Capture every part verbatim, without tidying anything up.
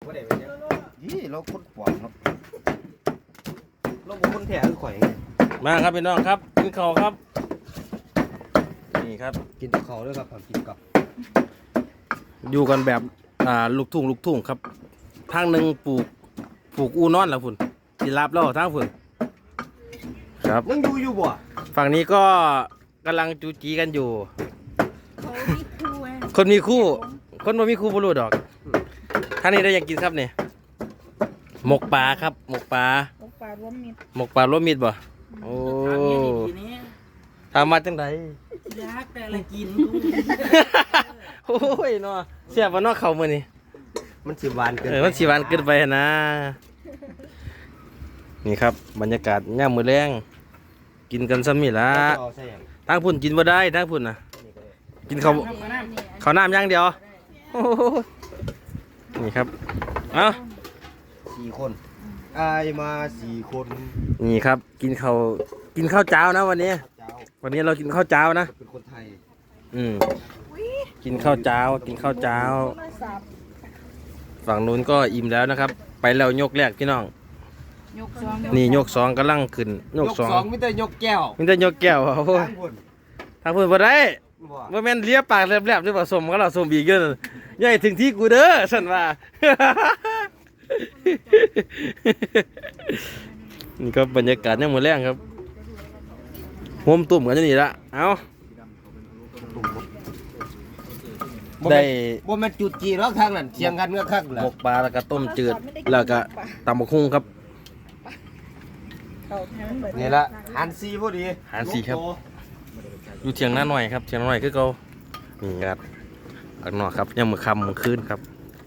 ยี่เราคนปวดครับเราเป็นคนแถวข่อยมาครับพี่น้องครับกินข้าวครับนี่ครับกินกับเขาด้วยครับกินกับอยู่กันแบบอ่าลูกทุ่งลูกทุ่งครับทางหนึ่งปลูกปลูกอูนอนแล้วฝุ่นที่รับแล้วทางฝุ่นครับยังอยู่อยู่บ่ฝั่งนี้ก็กำลังจูจีกันอยู่เขามีคู่คนมีคู่คนบ่มีคู่บ่รู้ดอกท่างนี้ได้ยังกินครับเนี่ยหมกปลาครับหมกปลาหมกปลารวมมิตรหมกปลารวมมิตรบ่โอ้ทำมาจังไดยากแต่ละกินโอ้ยเนาะเสียบว่าเนาะเขามื้อนี้มันสิหวานเกินเออมันสิหวานเกินไปนะนี่ครับบรรยากาศย่ามมื้อแรงกินกันซ้ำนี่ล่ะทางพุ่นกินบ่ได้ทางพุ่นน่ะกินข้าวข้าวน้ำอย่างเดียวโอ้นี่ครับเอ้าสี่คนอายมาสี่คนนี่ครับกินข้าวกินข้าวเจ้านะวันนี้วันนี้เรากินข้าวเจ้านะเป็นคนไทยอืมกินข้าวเจ้ากินข้าวเจ้าฝั่งนู้นก็อิ่มแล้วนะครับ ไปแล้วยกแรกพี่น้องนี่ยกสองกำลังขึ้นยกสองมิแต่ยกแก้วมิแต่ยกแก้วโอ้ยทางพุ่นบ่ได้บ่แม่นเลียปากแลบๆหรือว่าสมก็เราสมอีกเด้อใหญ่ถึงที่กูเด้อฉันว่านี่ก็บรรยากาศเนี่ยหมดแรงครับโฮมตุ่มกันจะนี่ละเอาได้บ่แม่นจุดจีแล้วข้างนั้นเชียงกันเมื่อข้างหมกปลาแล้วก็ต้มจืดแล้วก็ตำบักหุ่งครับนี่ละหันซีพอดีหันซีครับอยู่เทียงหน้าหน่อยครับเทียงหน้าหน่อยคือเขานี่ครับข้างนอกครับยังมือค่ำมือคืนครับ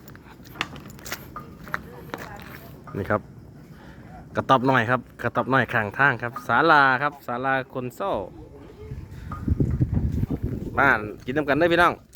นี่ครับกระต๊อบหน่อยครับกระต๊อบหน่อยข้างทางครับศาลาครับศาลาคนโซ่บ้านกินน้ำกันได้พี่น้อง